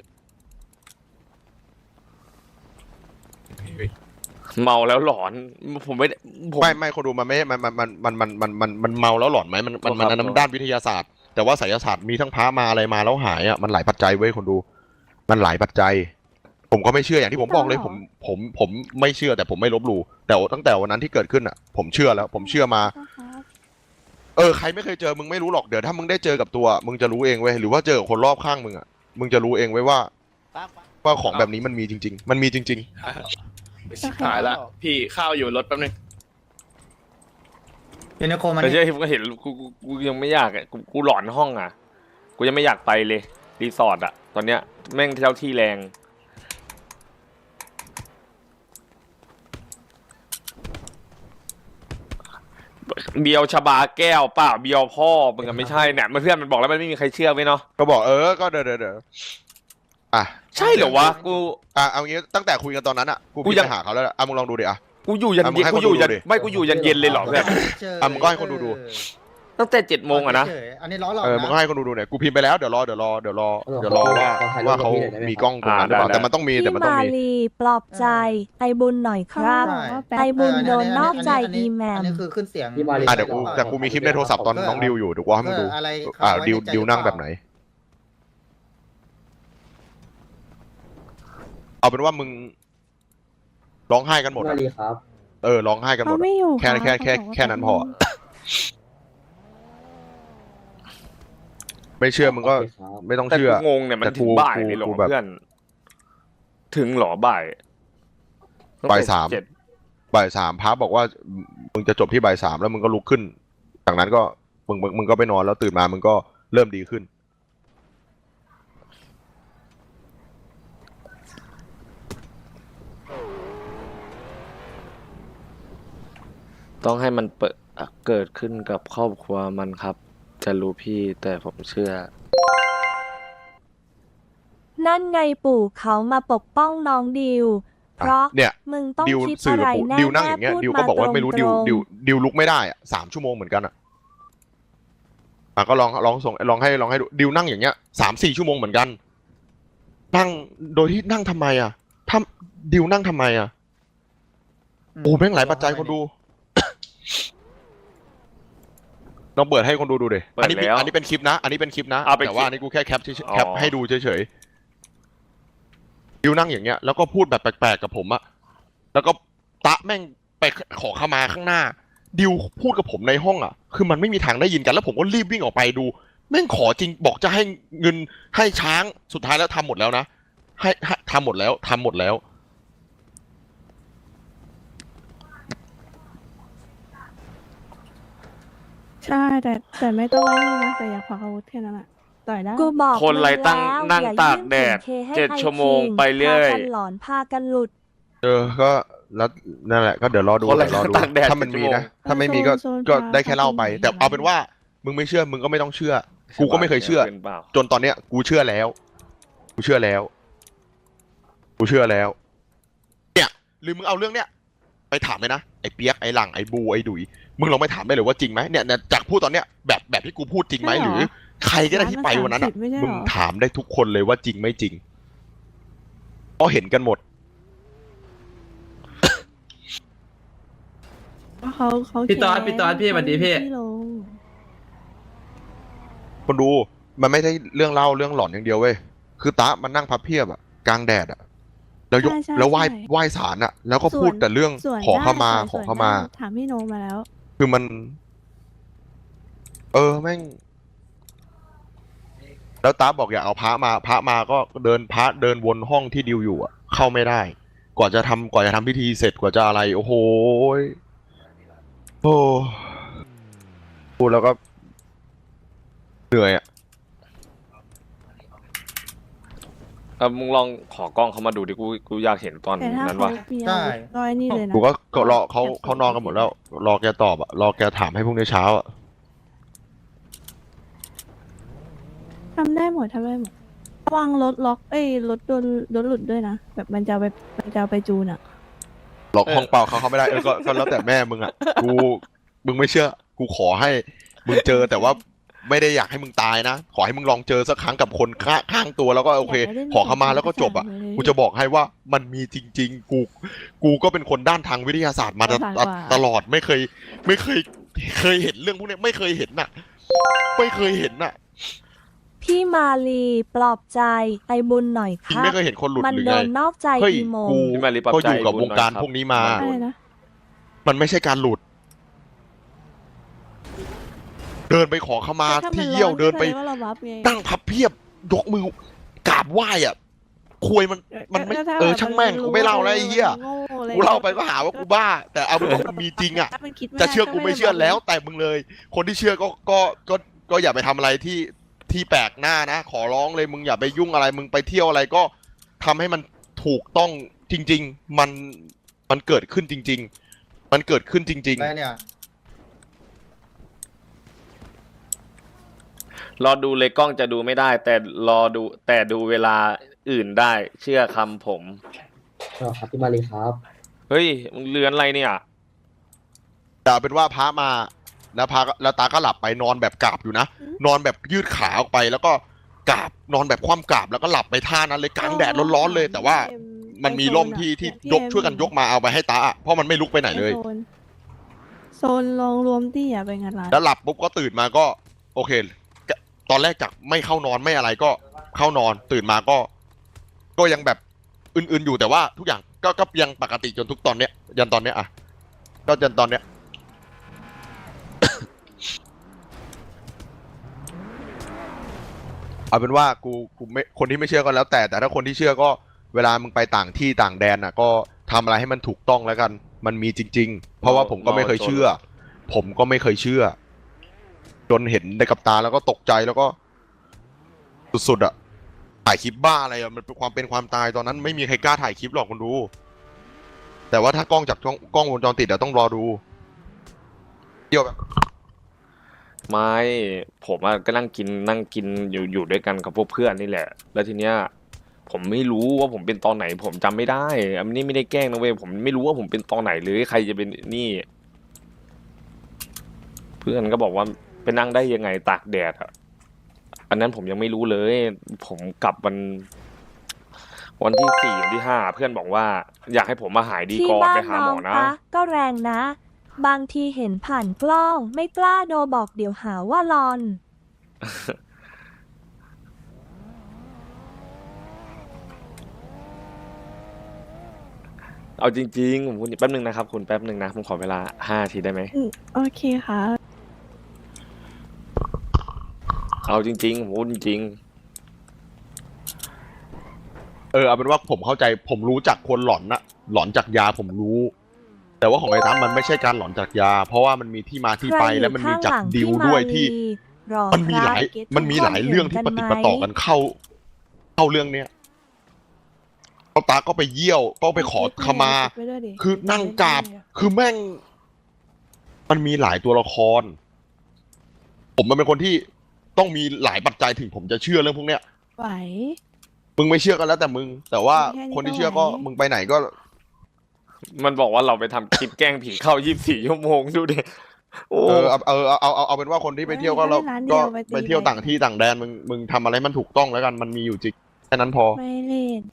[SPEAKER 1] เมาแล้วหลอนผมไม่ได้ผม
[SPEAKER 2] ไม่ไม่คนดูมันไม่มันมันมันมันมันมันมันมันเมาแล้วหลอนไหมมันมันมัน
[SPEAKER 1] ครับ
[SPEAKER 2] อันนั้นด้านวิทยาศาสตร์ แต่ว่าไสยศาสตร์มีทั้งพระมาอะไรมาแล้วหายอ่ะมันหลายปัจจัยเว้ยคนดู มันหลายปัจจัย ผมก็ไม่เชื่ออย่างที่ผมบอกเลยผมผมผมไม่เชื่อแต่ผมไม่ลบหลู่แต่ตั้งแต่วันนั้นที่เกิดขึ้นอ่ะ ผมเชื่อแล้ว ผมเชื่อมา เออใครไม่เคยเจอมึงไม่รู้หรอกเดี๋ยวถ้ามึงได้เจอกับตัว มึงจะรู้เองเว้ยหรือว่าเจอกับคนรอบข้างมึงอ่ะมึงจะรู้เองเว้ยว่าว่าของแบบนี้มันมีจริง ๆ มันมีจริง
[SPEAKER 6] ชิบหายละพี่ข้าวอยู่รถแป๊บนึง
[SPEAKER 5] เดี๋ยวนะโคมัน
[SPEAKER 1] แต่เชื่อที่ผมก็เห็นกูกูกูยังไม่อยากอะกูกูหลอนห้องอ่ะกูยังไม่อยากไปเลยรีสอร์ทอ่ะตอนเนี้ยแม่งเท่าที่แรงเบียวชบาแก้วเปล่าเบียวพ่อมึงก็ไม่ใช่เนี่ยมันเพื่อนมันบอกแล้วมันไม่มีใครเชื่อไว้เนาะ
[SPEAKER 2] ๆ ก็บอกเออก็เดี๋ยวเดี๋ยวเดี๋ยวอ่ะ
[SPEAKER 1] ใช่เหรอวะกู
[SPEAKER 2] อ่ะเอางี้ตั้งแต่คุยกันตอนนั้นอ่ะกู
[SPEAKER 1] กู
[SPEAKER 2] พี่
[SPEAKER 1] ยัง
[SPEAKER 2] ไปหาเขาแล้วอ่ะมึงลองดูดิอ่ะ
[SPEAKER 1] กูอยู่ยัน
[SPEAKER 2] อ่ะมึง
[SPEAKER 1] เย็น
[SPEAKER 2] ให้
[SPEAKER 1] กู
[SPEAKER 2] คน
[SPEAKER 1] อยู่
[SPEAKER 2] ดู
[SPEAKER 1] ยัน
[SPEAKER 2] ดิ
[SPEAKER 1] ไม่กูอยู่ยันเย็นเลยเหรอเพื่อน
[SPEAKER 2] อ่ะมึงก็ให้คนดูดู
[SPEAKER 1] ตั้งแต่เจ็ดโมงอะนะ
[SPEAKER 7] เฉยๆอันนี้ล้อหลอก
[SPEAKER 2] เออมึงก็
[SPEAKER 7] นะ
[SPEAKER 2] ให้คนดูดูเนี่ยกูพิมพ์ไปแล้วเดี๋ยวรอเดี๋ยวรอเดี๋ยวรอเดี๋ยวรอว่า
[SPEAKER 8] ขอถ่ายรูป
[SPEAKER 2] ว่า
[SPEAKER 8] กับ
[SPEAKER 2] เขา
[SPEAKER 8] พี่หน่อยได้ไหม
[SPEAKER 2] มีกล้องตรงนั้นหรือเปล่า
[SPEAKER 1] อ่าได้
[SPEAKER 2] แต่มันต้องมีแต่
[SPEAKER 4] พี่
[SPEAKER 2] มันต้อง
[SPEAKER 4] มา
[SPEAKER 2] มี
[SPEAKER 4] ลีปลอบใจไอบุญหน่อยครับ
[SPEAKER 7] ใช่
[SPEAKER 4] ไอบุญ
[SPEAKER 7] เ
[SPEAKER 4] โดนนอกใจ
[SPEAKER 7] อันนี้
[SPEAKER 4] อีแหม
[SPEAKER 7] อัน
[SPEAKER 4] ม
[SPEAKER 7] นี้คือขึ้นเสียง
[SPEAKER 8] พี่มาลี
[SPEAKER 2] อ่ะเดี๋ยวกูแต่กูมีคลิปในโทรศัพท์ตอนน้องดิวอยู่เดี๋ยวกูเอาให้มึงดู
[SPEAKER 7] เอออะไร
[SPEAKER 2] อ่า
[SPEAKER 7] เขาไว้
[SPEAKER 2] ดิว
[SPEAKER 7] ในใจ
[SPEAKER 2] ดิวนั่ง
[SPEAKER 7] ห
[SPEAKER 2] แบ
[SPEAKER 7] รือเปล่า
[SPEAKER 2] บไหน เอาเป็นว่ามึงร้องไห้กันหมด
[SPEAKER 8] พี่
[SPEAKER 2] อะ
[SPEAKER 8] มาลีครับ
[SPEAKER 2] เออร้องไห้กันหม
[SPEAKER 9] เขา
[SPEAKER 2] ดอะ
[SPEAKER 9] ไม่อยู่
[SPEAKER 2] แค่
[SPEAKER 9] รับ
[SPEAKER 2] แค่แค่
[SPEAKER 9] เขาบอกว่า
[SPEAKER 2] แค่นั้นพอ
[SPEAKER 9] เขา
[SPEAKER 2] ไม่เชื่อมึงก็
[SPEAKER 8] โอเคครับ
[SPEAKER 2] ไม่ต้อง
[SPEAKER 1] แต่
[SPEAKER 2] เชื่อ
[SPEAKER 1] กูงงเนี่ยมัน
[SPEAKER 2] แต่
[SPEAKER 1] ถึ
[SPEAKER 2] กู
[SPEAKER 1] งบ่าย
[SPEAKER 2] กู
[SPEAKER 1] เลยเหรอ
[SPEAKER 2] กูแบบ
[SPEAKER 1] เพื่อน ถึงเหรอบ่าย
[SPEAKER 2] บ่ายสาม
[SPEAKER 1] เจ็ด
[SPEAKER 2] บ่ายสามพระบอกว่ามึงจะจบที่บ่ายสามแล้วมึงก็ลุกขึ้น จากนั้นก็มึงมึงมึงก็ไปนอนแล้วตื่นมามึงก็เริ่มดีขึ้น
[SPEAKER 1] ต้องให้มันเปิดอ่ะเกิดขึ้นกับครอบครัวมันครับ จะรู้พี่แต่ผมเชื่อ
[SPEAKER 4] นั่นไงปู่เขามาปกป้องน้องดิว เพราะ
[SPEAKER 2] เนี่ย
[SPEAKER 4] มึงต้อง
[SPEAKER 2] ดิว
[SPEAKER 4] คิด
[SPEAKER 2] สื่อ
[SPEAKER 4] อะไร
[SPEAKER 2] กับผม
[SPEAKER 4] แน่
[SPEAKER 2] ดิวนั่งอย่างเงี้ย
[SPEAKER 4] พูด
[SPEAKER 2] ดิวก็บอกว่าไม่รู้
[SPEAKER 4] ต
[SPEAKER 2] ดิว
[SPEAKER 4] งๆ
[SPEAKER 2] ดิวดิวลุกไม่ได้อะสามชั่วโมงเหมือนกันอะอ่ะก็ลองลองส่งลองให้ลองให้ดูดิวนั่งอย่างเงี้ยสามสี่ชั่วโมงเหมือนกัน นั่งโดยที่นั่งทำไมอะถ้าดิวนั่งทำไมอะโอ้แม่งหลายปัจจัยคนดู ลองเปิดให้คนดูดูดิ
[SPEAKER 1] เปิด
[SPEAKER 2] อันนี้เป็น
[SPEAKER 1] แล้ว
[SPEAKER 2] อันนี้เป็นคลิปนะ อันนี้เป็นคลิปนะ
[SPEAKER 1] เอาเป็น
[SPEAKER 2] แต่ว่า
[SPEAKER 1] คลิป
[SPEAKER 2] อันนี้กูแค่แคปเฉย
[SPEAKER 1] อ๋อ
[SPEAKER 2] ๆแคปให้ดูเฉยๆดิวนั่งอย่างเงี้ย แล้วก็พูดแบบแปลกๆกับผมอะแล้วก็ตะแม่งไปขอขมาข้างหน้า ดิวพูดกับผมในห้องอะคือมันไม่มีทางได้ยินกัน แล้วผมก็รีบวิ่งออกไปดู แม่งขอจริงบอกจะให้เงินให้ช้างสุดท้ายแล้วทำหมดแล้วนะให้ให้ทำหมดแล้วทำหมดแล้ว
[SPEAKER 9] ใช่แต่แต่ไม่ต้องไว้นี่นะแต่อย่าควักอาวุธแค่นั้นแหละต่อยได้
[SPEAKER 4] กูบอก
[SPEAKER 1] คนไรตั้ง
[SPEAKER 4] มึแล้ว
[SPEAKER 1] นั่ง
[SPEAKER 4] อย่
[SPEAKER 1] ตากแดด
[SPEAKER 4] ยื่น
[SPEAKER 1] เจ็ด
[SPEAKER 4] ถึง K ให้
[SPEAKER 1] ชั่วโมง
[SPEAKER 4] ไอ้คิ
[SPEAKER 1] ไปเรื่อย
[SPEAKER 4] พากันหลอนพากันหลุด
[SPEAKER 2] เออ ก็แล้วนั่นแหละ ก็เดี๋ยวรอดู
[SPEAKER 1] คนละ
[SPEAKER 2] เดี๋ยวรอดู
[SPEAKER 1] ตากแดด
[SPEAKER 2] ถ้ามันมีนะ
[SPEAKER 9] ชั่วโมง
[SPEAKER 2] ถ้าไม่มีก็
[SPEAKER 9] โซน
[SPEAKER 2] ก็
[SPEAKER 9] พา
[SPEAKER 2] ได้แค่เล่าไป
[SPEAKER 9] พา
[SPEAKER 2] แต่
[SPEAKER 9] ไป
[SPEAKER 2] เอาเป็นว่า มึงไม่เชื่อ มึงก็ไม่ต้องเชื่อ กูก็ไม่เคยเชื่อ
[SPEAKER 1] กินเปล่า
[SPEAKER 2] จนตอนเนี้ย กูเชื่อแล้ว กูเชื่อแล้ว กูเชื่อแล้ว เนี่ยหรือมึงเอาเรื่องเนี้ยไปถามเลยนะ ไอ้เปียก ไอ้หลัง ไอ้บู ไอ้ดุย มึงลองไปถามได้เลยว่าจริงไหมเนี่ยเนี่ยจากพูดตอนเนี้ย แบบแบบที่กูพูดจริงไหม
[SPEAKER 9] ใช่
[SPEAKER 2] ห
[SPEAKER 9] เหร
[SPEAKER 2] รือ อ ใครก็ได้ที่ไปวันนั้นอ่ะ
[SPEAKER 9] ร้านละสามสิบไม่ใช่เหรอ
[SPEAKER 2] มึงถามได้ทุกคนเลยว่าจริงไม่จริง เพราะเห็นกันหมด
[SPEAKER 9] เพราะเขาเขา
[SPEAKER 10] พี่ตอด
[SPEAKER 9] แค้น
[SPEAKER 10] พี่ตอดพี่สวัสดีพี่
[SPEAKER 9] ที่ลง
[SPEAKER 2] คนดูมันไม่ใช่เรื่องเล่าเรื่องหลอนอย่างเดียวเว้ย คือตะมันนั่งพับเพียบอะกลางแดดอะแล้วยก
[SPEAKER 9] ใช่ใช่
[SPEAKER 2] แล้วไหว้
[SPEAKER 9] ใช่
[SPEAKER 2] ไหว้ศาลอะแล้วก็พูดแต่เรื่อง
[SPEAKER 9] ส่วน
[SPEAKER 2] ขอเข้ามา
[SPEAKER 9] ได้
[SPEAKER 2] ขอเข้ามา
[SPEAKER 9] ส่วนได้ถามพี่โนมาแล้ว
[SPEAKER 2] คือมัน เออแม่ง แล้วตาบอกอยากเอาพระมา พระมาก็เดินพระเดินวนห้องที่ดิวอยู่อะเข้าไม่ได้ กว่าจะทำกว่าจะทำพิธีเสร็จกว่าจะอะไร โอ้โหยโอ้พูดแล้วก็เหนื่อยอะ
[SPEAKER 1] เออมึงลองขอกล้องเขามาดูดิกูกูอยากเห็นตอน
[SPEAKER 9] แต่ถ้า
[SPEAKER 1] นั้น
[SPEAKER 9] เขา
[SPEAKER 1] ว่ะ
[SPEAKER 9] มีอาวุธก็ไอ้นี่เลยนะ
[SPEAKER 2] กูก็ก็รอเขาเขานอนกันหมดแล้ว รอแกตอบอะรอแกถามให้พรุ่งนี้เช้าอะ
[SPEAKER 9] ทำได้หมดทำได้หมดระวังรถล็อกเอ้ยรถโดนรถหลุดด้วยนะแบบมันจะเอาไปมันจะเอาไปจูนอ่ะ
[SPEAKER 2] ล็อกห้องเปล่าเขาเขาไม่ได้เออก็ก็แล้วแต่แม่มึงอ่ะกูมึงไม่เชื่อ กูขอให้มึงเจอแต่ว่าไม่ได้อยากให้มึงตายนะ ขอให้มึงลองเจอสักครั้งกับคนข้างข้างตัวแล้วก็โอเค
[SPEAKER 9] อยากให้เล่น
[SPEAKER 2] ขอเข้ามาแล้วก็จบอ่ะ
[SPEAKER 9] เกมเลย
[SPEAKER 2] กูจะบอกให้ว่ามันมีจริง ๆ กู กูก็เป็นคนด้านทางวิทยาศาสตร์มาต
[SPEAKER 9] ประสาทกว่า
[SPEAKER 2] ตลอดไม่เคย ไม่เคย เคยเห็นเรื่องพวกเนี้ยไม่เคยเห็นน่ะ ไม่เคยเห็นน่ะ
[SPEAKER 4] พี่มาลีปลอบใจไอบุญหน่อยค
[SPEAKER 2] จริง
[SPEAKER 4] รับ
[SPEAKER 2] ไม่เคยเห็นคนหลุด
[SPEAKER 4] มัน
[SPEAKER 2] หรือ
[SPEAKER 4] โด
[SPEAKER 2] ไง
[SPEAKER 4] นนอกใจ
[SPEAKER 2] เฮ้ย
[SPEAKER 4] อีโม
[SPEAKER 2] กู
[SPEAKER 1] พี่มารีปรับ
[SPEAKER 2] ก็
[SPEAKER 1] ใจ
[SPEAKER 2] อยู่กับ
[SPEAKER 1] บุญ
[SPEAKER 2] วงการ
[SPEAKER 1] หน่อยครับ
[SPEAKER 2] พวกนี้มา
[SPEAKER 1] มัน
[SPEAKER 9] อะไรนะ
[SPEAKER 2] มันไม่ใช่การหลุด เดินไปขอเข้ามา
[SPEAKER 9] แต่ถ้
[SPEAKER 2] ที่
[SPEAKER 9] น
[SPEAKER 2] เยี่ยว
[SPEAKER 9] ร้อน
[SPEAKER 2] เดินไป
[SPEAKER 9] ก็แสดงว่าเราบัฟไง
[SPEAKER 2] นั่งพับเพียบยกมือกราบไหว้อ่ะควยมันมันไม่
[SPEAKER 9] ก็ถ้า
[SPEAKER 2] เออ
[SPEAKER 9] แบบ
[SPEAKER 2] ช่างแม่ง
[SPEAKER 9] น
[SPEAKER 2] กูไม่เล่าแล้วไอ้เหี้ย
[SPEAKER 9] มันโง่อะไร
[SPEAKER 2] กูเล่าไปก็หาว่ากูบ้า แต่เอาเป็นว่ามันมีจริงอ่ะ
[SPEAKER 9] ถ้ามันคิดไม่
[SPEAKER 2] จะ
[SPEAKER 9] ได้
[SPEAKER 2] เชื่อกูไม่เชื่อ
[SPEAKER 9] ด้
[SPEAKER 2] แล้ว แต่มึงเลย คนที่เชื่อก็ก็ก็ก็อย่าไปทำอะไรที่ที่แปลกหน้านะ ขอร้องเลยมึงอย่าไปยุ่งอะไร มึงไปเที่ยวอะไรก็ทำให้มันถูกต้องจริง ๆ มันมันเกิดขึ้นจริง ๆ มันเกิดขึ้นจริง
[SPEAKER 7] ได้เนี่ย
[SPEAKER 1] รอดูเลยกล้องจะดูไม่ได้ แต่รอดูแต่ดูเวลาอื่นได้ เชื่อคำผม
[SPEAKER 8] เอาครับพี่มาลีครับ
[SPEAKER 1] เฮ้ยมึงเลือนอะไรเนี่ย
[SPEAKER 2] ๆแต่เอาเป็นว่าพระมาแล้วพาแล้วตาก็หลับไปนอนแบบกราบอยู่นะนอนแบบยืดขาออกไปแล้วก็กราบนอนแบบคว่ำกราบแล้วก็หลับไปท่านั้นเลยกลางแดดร้อนๆเลย แต่ว่ามันมีร่มที่ที่ยกช่วยกันยกมาเอาไปให้ตาเพราะมันไม่ลุกไปไหนเลย
[SPEAKER 9] โซนโซนลองรวมที่อ่ะเป็นไงล่ะ
[SPEAKER 2] แล้วหลับปุ๊บก็ตื่นมาก็ โอเค ตอนแรกจากไม่เข้านอนไม่อะไรก็เข้านอนตื่นมาก็ ก็ยังแบบอื่นๆอยู่แต่ว่าทุกอย่างก็ก็ยังปกติจนทุกตอนเนี้ยยันตอนเนี้ยอ่ะก็ยันตอนเนี้ย เอาเป็นว่ากูกูไม่คนที่ไม่เชื่อก็แล้วแต่แต่ถ้าคนที่เชื่อก็เวลามึงไปต่างที่ต่างแดนอ่ะ ก็ทำอะไรให้มันถูกต้องแล้วกัน มันมีจริง ๆ เพราะว่าผมก็ไม่เคยเชื่อ ผมก็ไม่เคยเชื่อ จนเห็นในกับตาแล้วก็ตกใจแล้วก็ สุดๆอ่ะถ่ายคลิปบ้าอะไรอ่ะมันเป็นความเป็นความตายตอนนั้นไม่มีใครกล้าถ่ายคลิปหรอกคนดู แต่ว่าถ้ากล้องจากกล้องกล้องวงจรปิดอ่ะต้องรอดูเดี๋ยวแบบ
[SPEAKER 1] ไม่ผมอะก็นั่งกินนั่งกินอยู่อยู่ด้วยกันกับพวกเพื่อนนี่แหละ แล้วทีเนี้ย ผมไม่รู้ว่าผมเป็นตอนไหน ผมจำไม่ได้อันนี้ไม่ได้แกล้งนะเว้ยผมไม่รู้ว่าผมเป็นตอนไหนหรือใครจะเป็นนี่ เพื่อนก็บอกว่าไปนั่งได้ยังไงตากแดดอะอันนั้นผมยังไม่รู้เลย ผมกลับวัน วันที่สี่วันที่ห้าเพื่อนบอกว่า อยากให้ผมมาหายดี
[SPEAKER 4] ที่
[SPEAKER 1] ก่อน
[SPEAKER 4] บ้า
[SPEAKER 1] ไป
[SPEAKER 4] น
[SPEAKER 1] หา
[SPEAKER 4] น้
[SPEAKER 1] หม
[SPEAKER 4] อง
[SPEAKER 1] อนะ
[SPEAKER 4] ปะก็แรงนะ บางทีเห็นผ่านกล้อง ไม่กล้าโดบอกเดี๋ยวหาว่าลอน
[SPEAKER 1] เอาจริงๆผมคุณแป๊บนึงนะครับ คุณแป๊บนึงนะผมขอเวลาห้านาทีได้ไหม
[SPEAKER 9] อืมโอเคค่ะ
[SPEAKER 1] เอาจริงๆผมพูดจริง
[SPEAKER 2] เออเอาเป็นว่าผมเข้าใจผมรู้จักคนหลอนนะหลอนจากยาผมรู้ แต่ว่าของไอ้ตั้มมันไม่ใช่การหลอนจากยา เพราะว่ามันมีที่มาที่ไปและมันมีจากดิวด้วยที่
[SPEAKER 4] รอ
[SPEAKER 2] มันมีหลาย
[SPEAKER 4] ครับ
[SPEAKER 2] มันมีหลายเรื่องที่ปฏิปต่อกันเข้า เข้าเรื่องเนี้ยเอาตาก็ไปเยี่ยวก็ไปขอขมา
[SPEAKER 9] ไปด้วยดิ
[SPEAKER 2] คือนั่งกราบ คือแม่ง มันมีหลายตัวละคร ผมมันเป็นคนที่ต้องมีหลายปัจจัยถึงผมจะเชื่อเรื่องพวกเนี้ย
[SPEAKER 9] ไหว
[SPEAKER 2] มึงไม่เชื่อกันแล้วแต่มึง แต่ว่า
[SPEAKER 9] แค่นี้
[SPEAKER 2] คนที่
[SPEAKER 9] ก็
[SPEAKER 2] เชื่อก็
[SPEAKER 9] ไหว
[SPEAKER 2] มึงไปไหนก็
[SPEAKER 1] ๆ มันบอกว่าเราไปทำคลิปแกล้งผีเข้ายี่สิบสี่ชั่วโมงดูดิโอ้
[SPEAKER 2] เออเอาเออเอาเอาเอาเอาเป็นว่าคนที่ไปเที่ยวก็เราก็ไปเที่ยวต่างที่ต่างแดนมึงมึงทำอะไรมันถูกต้องแล้วกันมันมีอยู่จริงแค่นั้นพอ
[SPEAKER 9] ไม่เล่น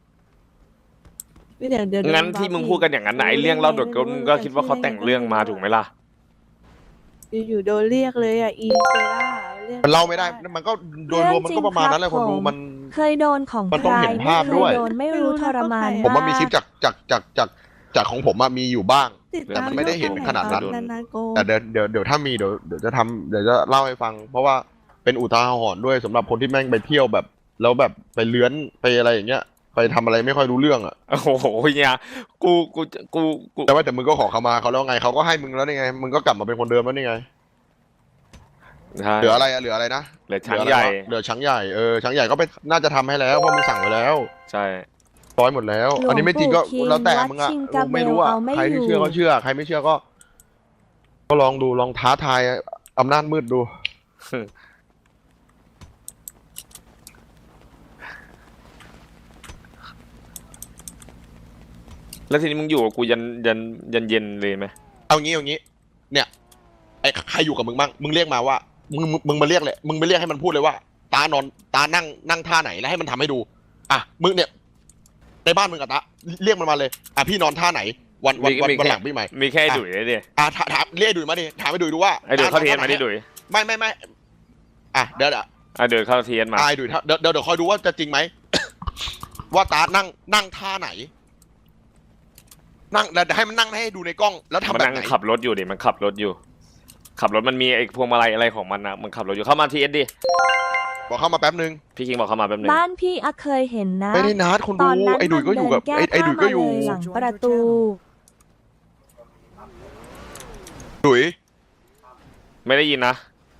[SPEAKER 9] เดี๋ยวเดี๋ยว
[SPEAKER 1] งั้นที่มึงพูดกันอย่างนั้นไหนเรื่องเล่าโดดก็มึงก็คิดว่าเขาแต่งเรื่องมาถูกไหมล่ะ
[SPEAKER 9] อยู่ๆโดนเรียกเลยอ่ะอีเซล่ารียก
[SPEAKER 2] มันเล่าไม่ได้ มันก็โดยรวมมันก็ประมาณนั้นแหละคนดูมัน
[SPEAKER 4] เคยโดนของ
[SPEAKER 2] มัน
[SPEAKER 4] ใค
[SPEAKER 2] ต้อง
[SPEAKER 4] ร
[SPEAKER 2] เห็น
[SPEAKER 4] ไม่
[SPEAKER 2] ภาพ
[SPEAKER 4] เค
[SPEAKER 2] ด้วย
[SPEAKER 4] ยโดนไม่รู้ทรมาน
[SPEAKER 2] ผมว่ามี
[SPEAKER 4] ก
[SPEAKER 2] คลิปจากจากจากจากจากของผมอะมีอยู่บ้าง
[SPEAKER 9] ติด
[SPEAKER 2] แต่
[SPEAKER 9] ตาม
[SPEAKER 2] มันไม่ได้เห็นขนาดนั้น
[SPEAKER 9] นานๆโก
[SPEAKER 2] แต่เดี๋ยวเดี๋ยวเดี๋ยวถ้ามีเดี๋ยวเดี๋ยวจะทำเดี๋ยวจะเล่าให้ฟัง เพราะว่าเป็นอุทาหรณ์ด้วยสำหรับคนที่แม่งไปเที่ยวแบบ แล้วแบบไปเลื้อนไปอะไรอย่างเงี้ย ไปทำอะไรไม่ค่อยรู้เรื่องอะ
[SPEAKER 1] โอ้โหเนี่ยกูกูกูกู
[SPEAKER 2] แต่ว่าแต่มึงก็ขอเขามาเขาแล้วไงเขาก็ให้มึงแล้วนี่ไงมึงก็กลับมาเป็นคนเดิมแล้วนี่ไง
[SPEAKER 1] ใช่
[SPEAKER 2] เหลืออะไรอะเหลืออะไรนะ
[SPEAKER 1] เหลือช้างใหญ่
[SPEAKER 2] เหลือช้างใหญ่เออช้างใหญ่ก็ไปน่าจะทำให้แล้วเพราะมึงสั่งไว้แล้ว
[SPEAKER 1] ใช่
[SPEAKER 2] ร้อยหมดแล้ว
[SPEAKER 4] หลวง
[SPEAKER 2] อันนี้ไม่จริงก็
[SPEAKER 4] ปู่คิง
[SPEAKER 2] แล้วแต่มึงอะ
[SPEAKER 4] วัดชิงกาเบล
[SPEAKER 2] ไม่รู้อะ
[SPEAKER 4] เอาไม่
[SPEAKER 2] ใครที่
[SPEAKER 4] อยู่
[SPEAKER 2] เชื่อก็เชื่อ ใครไม่เชื่อก็ ก็ลองดูลองท้าทายอำนาจมืดดู
[SPEAKER 1] แล้วทีนี้มึงอยู่กับกูยันยันยันเย็นเลยไหม
[SPEAKER 2] เอางี้เอางี้ เนี่ยไอ้ใครอยู่กับมึงบ้างมึงเรียกมาว่ามึงมึงมึงมาเรียกเลยมึงไปเรียกให้มันพูดเลยว่า ตานอนตานั่งนั่งท่าไหนแล้วให้มันทำให้ดู อ่ะมึงเนี่ยในบ้านมึงกับตาเรียกมันมาเลยอ่ะพี่นอนท่าไหน วันวันวันวันหลังพี่ใหม่
[SPEAKER 1] มีแค่ไอ้ดุยเลยดิ
[SPEAKER 2] อ่ะถามถามเรียกไอ้ดุยมาดิถามไอ้ดุยดูว่า
[SPEAKER 1] ไอ้ดุยเข้าเทียนมาดิ
[SPEAKER 2] ต
[SPEAKER 1] ดุย
[SPEAKER 2] ไม่ไม่ไม่อ่ะเดี๋ยวเดี๋ยว
[SPEAKER 1] ไอ้ดุยเข้าเทียนมา
[SPEAKER 2] อ่ะไอ้ดุยถ้าเดี๋ยวเดี๋ยวเดี๋ยวคอยดูว่าจะจริงไหม ว่าตานั่งนั่งท่าไหน นั่งแล้วให้มันนั่งให้ดูในกล้องแล้วทำ
[SPEAKER 1] มัน
[SPEAKER 2] แบบ
[SPEAKER 1] นั่ง
[SPEAKER 2] ไหน
[SPEAKER 1] ขับรถอยู่ดิมันขับรถอยู่ ขับรถมันมีไอ้พวงมาลัยอะไรของมันนะมันขับรถอยู่เข้ามาทีเอสดิ
[SPEAKER 2] บอกเข้ามาแป๊บนึง
[SPEAKER 1] พี่คิงบอกเข้ามาแป๊บนึง
[SPEAKER 4] บ้านพี่อะเคยเห็นนะ
[SPEAKER 2] ไม่ได้นัดคน
[SPEAKER 4] ต
[SPEAKER 2] ดู
[SPEAKER 4] อนนั้น
[SPEAKER 2] ไอ้ดุยก็อยู่กับ
[SPEAKER 4] มัน
[SPEAKER 2] ไอ้
[SPEAKER 4] เดิน
[SPEAKER 2] ไอ้ดุยก็อยู่
[SPEAKER 4] แก้ผ้ามาเลหลังประตู
[SPEAKER 2] ดุย
[SPEAKER 1] ไม่ได้ยินนะ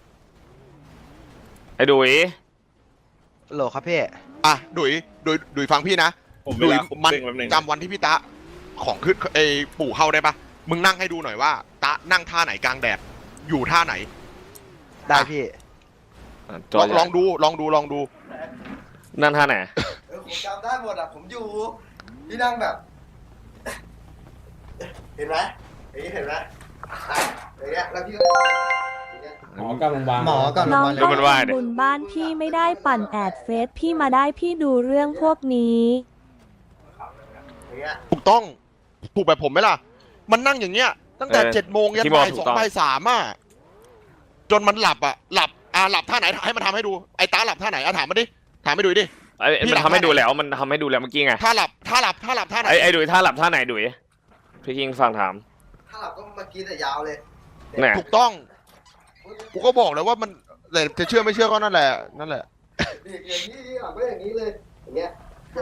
[SPEAKER 1] ไอ้ดุย
[SPEAKER 7] โหลครับพี่
[SPEAKER 2] อ่ะดุยดุยดุยฟังพี่นะ
[SPEAKER 6] ผมเว
[SPEAKER 2] ดุย
[SPEAKER 6] ลาคุม
[SPEAKER 2] มัน
[SPEAKER 6] เร่งแป๊บนึง
[SPEAKER 2] จำวันที่พี่ตะของขึ้นไอ้ปู่เข้าได้ปะมึงนั่งให้ดูหน่อยว่าตะนั่งท่าไหนกลางแดดอยู่ท่าไหน
[SPEAKER 7] ได้พี่
[SPEAKER 1] อ่ะจ
[SPEAKER 2] ล
[SPEAKER 1] อ
[SPEAKER 2] อง
[SPEAKER 1] ใหญ่
[SPEAKER 2] ลองดูลองดูลองดู
[SPEAKER 1] นั่นท่าไหน
[SPEAKER 10] เออผมจำได้หมดอ่ะ ผมอยู่ที่นั่งแบบ เห็นไหมอย่างนี้เห็นไหมอย่างเงี้ยแล้วพี่ก็
[SPEAKER 5] หมอกลับโรงพยาบาล
[SPEAKER 7] หมอกลับโร
[SPEAKER 4] น้
[SPEAKER 7] ง
[SPEAKER 4] อ
[SPEAKER 7] พ
[SPEAKER 4] ง
[SPEAKER 7] ยาบาล
[SPEAKER 4] ก็
[SPEAKER 7] เลย
[SPEAKER 1] ว่าดิ
[SPEAKER 4] ทำบุญบ้านพี่ไม่ได้ปั่นแอดเฟซพี่มาได้พี่ดูเรื่องพวกนี้
[SPEAKER 10] อย่างเงี้ย
[SPEAKER 2] ถูกต้องถูกแบบผมไหมล่ะ มันนั่งอย่างเงี้ย ตั้งแต่
[SPEAKER 1] เออ
[SPEAKER 2] เจ็ดโมงยัน
[SPEAKER 1] ที่บอก
[SPEAKER 2] บ่าย
[SPEAKER 1] ถู
[SPEAKER 2] ส
[SPEAKER 1] ก
[SPEAKER 2] อง
[SPEAKER 1] ต้อง
[SPEAKER 2] บ่ายสามอ่ะจนมันหลับอ่ะหลับอ่าหลับท่าไหนให้มันทำให้ดูไอ้ตาหลับท่าไหนอ่ะถามมาดิถามไม่ดูดิ
[SPEAKER 1] ไอ้ไอ้
[SPEAKER 2] พี่
[SPEAKER 1] มัน
[SPEAKER 2] หลับ
[SPEAKER 1] ทำให้
[SPEAKER 2] ท่าไหน
[SPEAKER 1] ดูแล้วมันทำให้ดูแล้วเมื่อกี้ไง
[SPEAKER 2] ท่าหลับท่าหลับท่าหลับท่าไหน
[SPEAKER 1] ไอ้ไอ้ดุยท่าหลับท่าไหนดุยพี่คิงฟังถาม
[SPEAKER 10] ถ้าเราก็มากินแต่ยาวเลย
[SPEAKER 1] เนี่ย
[SPEAKER 2] ถูกต้องกูก็บอกแล้วว่ามันแต่จะเชื่อไม่เชื่อก็นั่นแหละนั่นแหละ
[SPEAKER 10] อย่างนี้หลับก็อย่างนี้เลย อย่างเงี้ย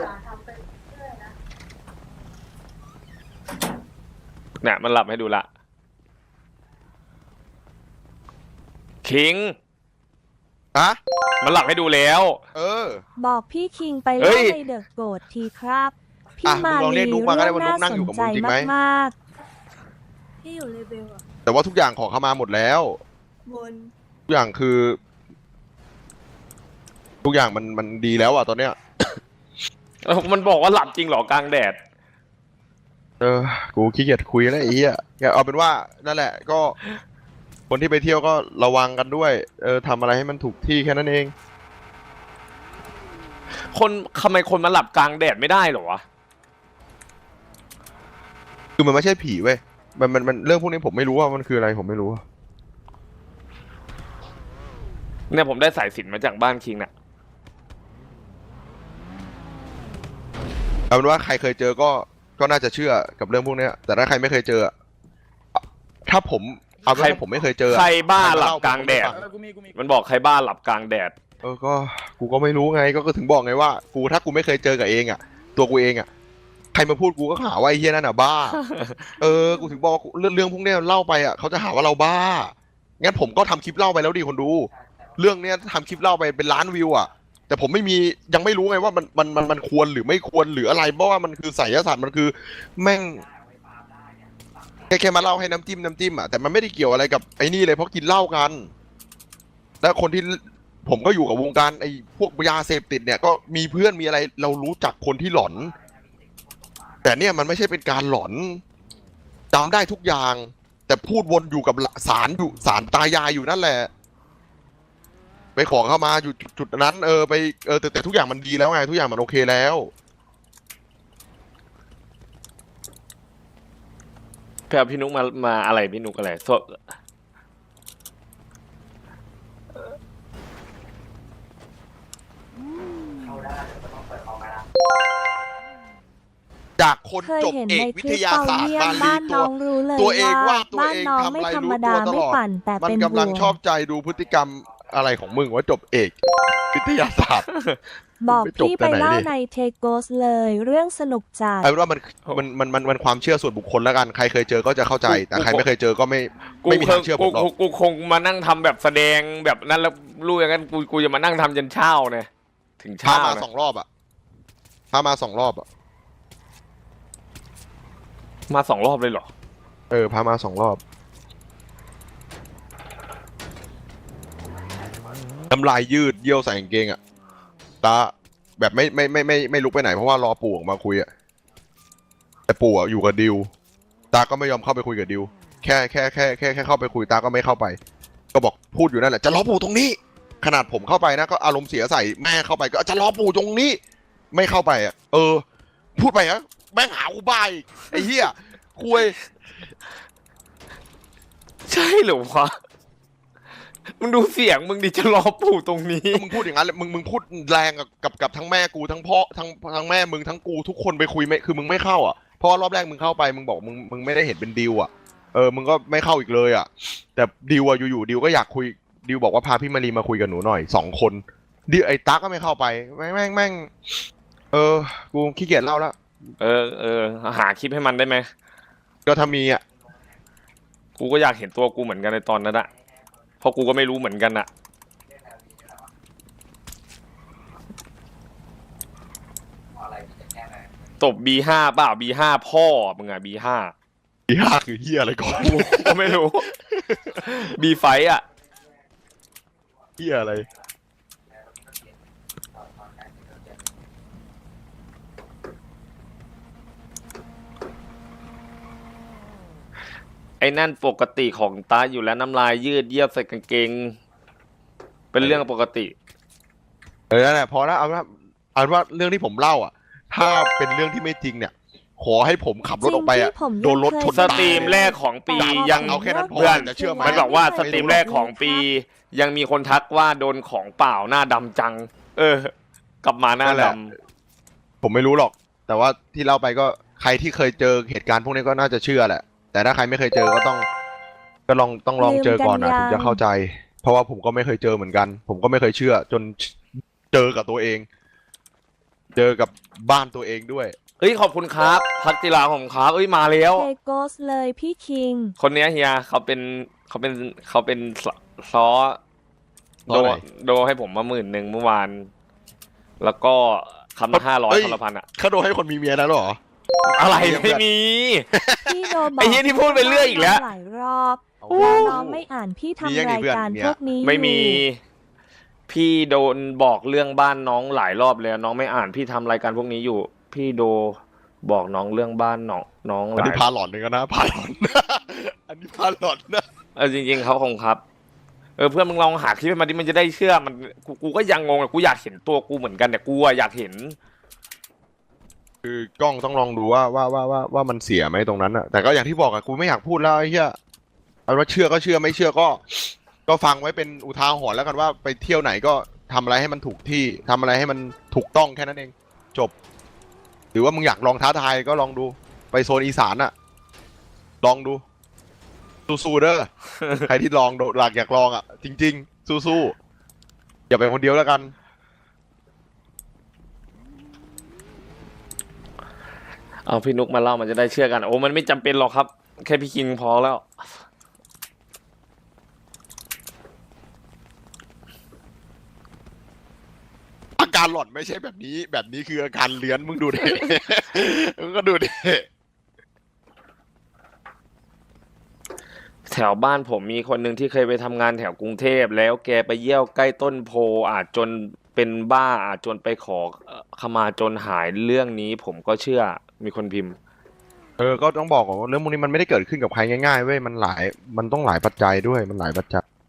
[SPEAKER 1] เนี่ยมันหลับให้ดูละคิง
[SPEAKER 2] อะ
[SPEAKER 1] มันหลับให้ดูแล้ว
[SPEAKER 2] เออ
[SPEAKER 4] บอกพี่คิงไป
[SPEAKER 1] เฮ้
[SPEAKER 4] เล่
[SPEAKER 1] ย
[SPEAKER 4] นในเดอะโกดทีครับ พี่
[SPEAKER 2] อ่ะ
[SPEAKER 4] มา
[SPEAKER 2] มึงลองเรี
[SPEAKER 4] ลี
[SPEAKER 2] ยกนุ๊กมาก็
[SPEAKER 4] เรื่
[SPEAKER 2] ได้
[SPEAKER 4] อง
[SPEAKER 2] ว่านุ๊
[SPEAKER 4] น่าก
[SPEAKER 2] นั่ง
[SPEAKER 4] ส
[SPEAKER 2] อยู่
[SPEAKER 4] น
[SPEAKER 2] กับ
[SPEAKER 4] ใจ
[SPEAKER 2] มึงจริงไหม
[SPEAKER 4] มากๆพี่อยู่เลเวลอะ
[SPEAKER 2] แต่ว่าทุกอย่างขอเข้ามาหมดแล้ว
[SPEAKER 4] บน
[SPEAKER 2] ทุกอย่างคือ ทุกอย่างมันมันดีแล้วอ่ะตอนเนี้ย
[SPEAKER 1] เออมันบอกว่าหลับจริงเหรอกลางแดด
[SPEAKER 2] เออ กูขี้เกียจคุยแล้วไอ้เหี้ยเอาเป็นว่านั่นแหละ ก็ คนที่ไปเที่ยวก็ระวังกันด้วย เออทำอะไรให้มันถูกที่แค่นั้นเอง
[SPEAKER 1] คนทำไมคนมาหลับกลางแดดไม่ได้เหรอวะ
[SPEAKER 2] คือมันไม่ใช่ผีเว้ย มันมันมันเรื่องพวกนี้ผมไม่รู้ว่ามันคืออะไรผมไม่รู้
[SPEAKER 1] เนี่ยผมได้สายสิญจนมาจากบ้านคิงน่ะ
[SPEAKER 2] เอาเป็นว่าใครเคยเจอก็ก็น่าจะเชื่อกับเรื่องพวกเนี้ย แต่ถ้าใครไม่เคยเจออะถ้าผมเอาเป็น
[SPEAKER 1] ใคร
[SPEAKER 2] ว่าผมไม่เคยเจออะ
[SPEAKER 1] ใครบ้า
[SPEAKER 2] ใครมา
[SPEAKER 1] หลับ
[SPEAKER 2] เล่าก
[SPEAKER 1] ลางแดด
[SPEAKER 2] ผมไม่ฟัง
[SPEAKER 5] กูมีกูมี
[SPEAKER 1] มันบอกใครบ้าหลับกลางแดด
[SPEAKER 2] เออก็กูก็ไม่รู้ไงก็ก็ถึงบอกไงว่า กูถ้ากูไม่เคยเจอกับเองอ่ะ ตัวกูเองอ่ะใครมาพูดกูก็หาว่าไอ้เฮียนั่นอ่ะบ้า เออกูถึงบอกว่าเรื่องเรื่องพวกเนี้ยเล่าไปอ่ะเขาจะหาว่าเราบ้างั้นผมก็ทำคลิปเล่าไปแล้วดิคนดู เรื่องเนี้ยทำคลิปเล่าไปเป็นล้านวิวอ่ะ แต่ผมไม่มียังไม่รู้ไงว่ามันมันมันมันควรหรือไม่ควรหรืออะไรเพราะว่ามันคือไสยศาสตร์มันคือแม่งแค่แค่มาเล่าให้น้ำจิ้มน้ำจิ้มอ่ะแต่มันไม่ได้เกี่ยวอะไรกับไอ้นี่เลยเพราะกินเหล้ากัน แล้วคนที่ผมก็อยู่กับวงการไอ้พวกยาเสพติดเนี่ยก็มีเพื่อนมีอะไรเรารู้จักคนที่หลอน แต่เนี่ยมันไม่ใช่เป็นการหลอนจำได้ทุกอย่าง แต่พูดวนอยู่กับสารอยู่สารตายายอยู่นั่นแหละไปขอเข้ามาอยู่จุดนั้นเออไปเออแต่แต่ทุกอย่างมันดีแล้วไงทุกอย่างมันโอเคแล้ว
[SPEAKER 1] พี่เอาพี่นุกมามาอะไรพี่นุกอะไรโซ
[SPEAKER 2] จากคน
[SPEAKER 4] เคย
[SPEAKER 2] จบ
[SPEAKER 4] เห็น
[SPEAKER 2] เอ
[SPEAKER 4] ใน
[SPEAKER 2] ก
[SPEAKER 4] ค
[SPEAKER 2] วิ
[SPEAKER 4] ลิ
[SPEAKER 2] ท
[SPEAKER 4] ป
[SPEAKER 2] ยา
[SPEAKER 4] เปา
[SPEAKER 2] ศาสตร์
[SPEAKER 4] เยี่ยม
[SPEAKER 2] บาลี
[SPEAKER 4] บ้าน
[SPEAKER 2] ตั
[SPEAKER 4] น้
[SPEAKER 2] ว
[SPEAKER 4] องรู้เลย
[SPEAKER 2] ตัวเอง
[SPEAKER 4] ว่า
[SPEAKER 2] ว่าตัว
[SPEAKER 4] บ้าน
[SPEAKER 2] เอง
[SPEAKER 4] น้อง
[SPEAKER 2] ทำ
[SPEAKER 4] ไม่
[SPEAKER 2] อะไร
[SPEAKER 4] ธร
[SPEAKER 2] รู้
[SPEAKER 4] รม
[SPEAKER 2] ตั
[SPEAKER 4] ดาว
[SPEAKER 2] ต
[SPEAKER 4] ไม่
[SPEAKER 2] ลอด
[SPEAKER 4] ปั่นแต่
[SPEAKER 2] มัน
[SPEAKER 4] เป็น
[SPEAKER 2] กำลัง
[SPEAKER 4] ห่วง
[SPEAKER 2] ชอบใจดูพฤติกรรมอะไรของมึงว่าจบเอก วิทยาศาสตร์
[SPEAKER 4] บอก
[SPEAKER 2] ไม่จบ
[SPEAKER 4] พี่
[SPEAKER 2] แต่
[SPEAKER 4] ไป
[SPEAKER 2] ไหน
[SPEAKER 4] เล่า
[SPEAKER 2] ดิ
[SPEAKER 4] ในเทโกสเลยเรื่องสนุกจัด
[SPEAKER 2] เอาเป็นว่ามันมันมันมันมันความเชื่อส่วนบุคคลแล้วกันใครเคยเจอก็จะเข้าใจ แต่ใครไม่เคยเจอก็ไม่
[SPEAKER 1] กู
[SPEAKER 2] ไม่มี
[SPEAKER 1] ค
[SPEAKER 2] ทาง งเชื่อผ
[SPEAKER 1] กู
[SPEAKER 2] มหรอก
[SPEAKER 1] กูกูคงมานั่งทำแบบแสดงแบบนั้นแล้วรู้อย่างนั้นกูกูจะมานั่งทำจนเช้าเนี่ยถึง
[SPEAKER 2] พา
[SPEAKER 1] เช้า
[SPEAKER 2] มา
[SPEAKER 1] นะ
[SPEAKER 2] สองรอบอ่ะพามาสองรอบอ่ะ
[SPEAKER 1] มาสองรอบเลยเหรอ
[SPEAKER 2] เออพามาสองรอบน้ำลายยืดเยี่ยวใส่กางเกงอ่ะตาแบบไม่ไม่ไม่ไม่ไม่ลุกไปไหนเพราะว่ารอปู่ออกมาคุยอ่ะแต่ปู่อ่ะอยู่กับดิวตาก็ไม่ยอมเข้าไปคุยกับดิวแค่แค่แค่แค่แค่เข้าไปคุยตาก็ไม่เข้าไป ก็บอกพูดอยู่นั่นแหละจะรอปู่ตรงนี้ ขนาดผมเข้าไปนะก็อารมณ์เสียใส่แม่เข้าไปก็จะรอปู่ตรงนี้ ไม่เข้าไปอ่ะเออ พูดไปนะแม่งหากูบายไอ้เหี้ยคุย
[SPEAKER 1] ใช่เหรอวะมึงดูเสียงมึงดิจะรอปู่ตรงนี้
[SPEAKER 2] ก็มึงพูดอย่างนั้นเลยมึงมึงพูดแรงกับกับกับทั้งแม่กูทั้งพ่อทั้งทั้งแม่มึงทั้งกูทุกคนไปคุยไม่คือมึงไม่เข้าอ่ะเพราะว่ารอบแรกมึงเข้าไปมึงบอกมึงมึงไม่ได้เห็นเป็นดิวอ่ะเออมึงก็ไม่เข้าอีกเลยอ่ะแต่ดิวอ่ะอยู่ๆดิวก็อยากคุยดิวบอกว่าพาพี่มารีมาคุยกับหนูหน่อยสองคนดิวไอ้ตั๊กก็ไม่เข้าไปแม่งแม่งแม่งเออกูขี้เกียจเล่าแล้ว
[SPEAKER 1] เออเออหาคลิปให้มันได้ไหม
[SPEAKER 2] ก็ถ้ามีอ่ะ
[SPEAKER 1] กูก็อยากเห็นตัวกูเหมือนกันในตอนนั้นอะเพราะกูก็ไม่รู้เหมือนกันอะตบ บี ห้า เปล่า บี ห้า พ่อมึงอะ บี ห้า
[SPEAKER 2] อีห้าคือเฮียอะไรก่อน
[SPEAKER 1] กูก็ไม่รู้ บี ไฟว์อะ
[SPEAKER 2] เฮียอะไร
[SPEAKER 1] ไอ้นั่นปกติของตาอยู่แล้วน้ำลายยืดเยียบใส่กางเกง เป็นเรื่องปกติ
[SPEAKER 2] เออนั่นแหละพอแล้วเอาว่าเอาว่าเรื่องที่ผมเล่าอ่ะ ถ้าเป็นเรื่องที่ไม่จริงเนี่ย ขอให้ผมขับรถออกไปอ่ะ
[SPEAKER 4] จริงๆผมยัง
[SPEAKER 2] โดนรถชน
[SPEAKER 1] ส
[SPEAKER 2] ตาย
[SPEAKER 1] ตรีมแรกของปียัง
[SPEAKER 2] เอาแค่นั้นพอ
[SPEAKER 1] เพื่อน
[SPEAKER 2] จะเชื่อไหม
[SPEAKER 1] มันบอกว่าสตรีมแรกของปี ยังมีคนทักว่าโดนของเปล่าหน้าดำจัง เออ กลับมาหน้า
[SPEAKER 2] นั่นแห
[SPEAKER 1] ด
[SPEAKER 2] ละ ผมไม่รู้หรอก แต่ว่าที่เล่าไปก็ใครที่เคยเจอเหตุการณ์พวกนี้ก็น่าจะเชื่อแหละ แต่ถ้าใครไม่เคยเจอก็ต้อง ก็ลองต้องลองเจอก่อนนะ
[SPEAKER 4] ลืมกันยัง
[SPEAKER 2] ถึงจะเข้าใจ เพราะว่าผมก็ไม่เคยเจอเหมือนกัน ผมก็ไม่เคยเชื่อ จนเจอกับตัวเอง เจอกับบ้านตัวเองด้วย
[SPEAKER 1] ำเอ้ยขอบคุณครับ พักจิราผมครับเอ้ยมาแล้ว
[SPEAKER 4] เทโกสเลยพี่คิง
[SPEAKER 1] คนเนี้ยเฮียเขาเป็นเขาเป็นเขาเป็นซซอ
[SPEAKER 2] ซ
[SPEAKER 1] โด
[SPEAKER 2] อไหน
[SPEAKER 1] โดให้ผมมาหมื่นหนึ่งเมื่อวาน แล้วก็คำละห้าร้อย
[SPEAKER 2] เอ้ย
[SPEAKER 1] คำละพันอะ
[SPEAKER 2] เขาโดนให้คนมีเมียแล้วเหรอ
[SPEAKER 1] อะไร
[SPEAKER 2] เยี่ยม
[SPEAKER 1] ไม่มี
[SPEAKER 4] พี่โดบอก
[SPEAKER 1] ไอ้เหี้ยที่พูดไปเรื่อยอีกแล้ว
[SPEAKER 4] หลายรอบแล้วน้องไม่อ่านพี่
[SPEAKER 2] มียัง
[SPEAKER 4] ทำ
[SPEAKER 2] ไง
[SPEAKER 4] ราย
[SPEAKER 2] เพื่อน
[SPEAKER 4] การ
[SPEAKER 2] เนี่ย
[SPEAKER 4] พวกนี้
[SPEAKER 1] ไม่มี
[SPEAKER 4] อยู่
[SPEAKER 1] พี่โดนบอกเรื่องบ้านน้องหลายรอบแล้วน้องไม่อ่านพี่ทำรายการพวกนี้อยู่ พี่โดบอกน้องเรื่องบ้านน้องน้องห
[SPEAKER 2] อัน
[SPEAKER 1] ลา
[SPEAKER 2] นี้
[SPEAKER 1] ย
[SPEAKER 2] พาหลอนเลยกันนะพาหลอน อันนี้พาหลอนนะ
[SPEAKER 1] เออจริงๆเขาคงครับ เออเพื่อนมึงลองหาคลิปมาดิมันจะได้เชื่อมันกูกูก็ยังงงอะกูอยากเห็นตัวกูเหมือนกันเนี่ยกูอะอยากเห็น
[SPEAKER 2] คือกล้องต้องลองดูว่าว่าว่าว่าว่ามันเสียไหมตรงนั้นอะแต่ก็อย่างที่บอกอะกูไม่อยากพูดแล้วไอ้เหี้ยเอาว่าเชื่อก็เชื่อไม่เชื่อก็ ก็ฟังไว้เป็นอุทาหรณ์แล้วกันว่าไปเที่ยวไหนก็ทำอะไรให้มันถูกที่ทำอะไรให้มันถูกต้องแค่นั้นเอง จบ หรือว่ามึงอยากลองท้าทายก็ลองดูไปโซนอีสานอะลองดูสู้ๆเด้อ ใครที่ลองโดดหลักอยากลองอะจริง ๆ สู้ๆอย่าไปคนเดียวแล้วกัน
[SPEAKER 1] เอาพี่นุกมาเล่ามันจะได้เชื่อกันโอ้มันไม่จำเป็นหรอกครับ แค่พี่คิงพอแล้ว
[SPEAKER 2] อาการหลอนไม่ใช่แบบนี้ แบบนี้คืออาการเลื้อนมึงดูดิ มึงก็ดูดิ
[SPEAKER 1] แถวบ้านผมมีคนหนึ่งที่เคยไปทำงานแถวกรุงเทพแล้วแกไปเยี่ยวใกล้ต้นโพอาจจนเป็นบ้าอาจจนไปขอเอ่อขมาจนหายเรื่องนี้ ผมก็เชื่อมีคนพิมพ์
[SPEAKER 2] เออ ก็ต้องบอกก่อนว่าเรื่องพวกนี้มันไม่ได้เกิดขึ้นกับใครง่ายๆเว้ย มันหลาย มันต้องหลายปัจจัยด้วย มันหลายปัจจัย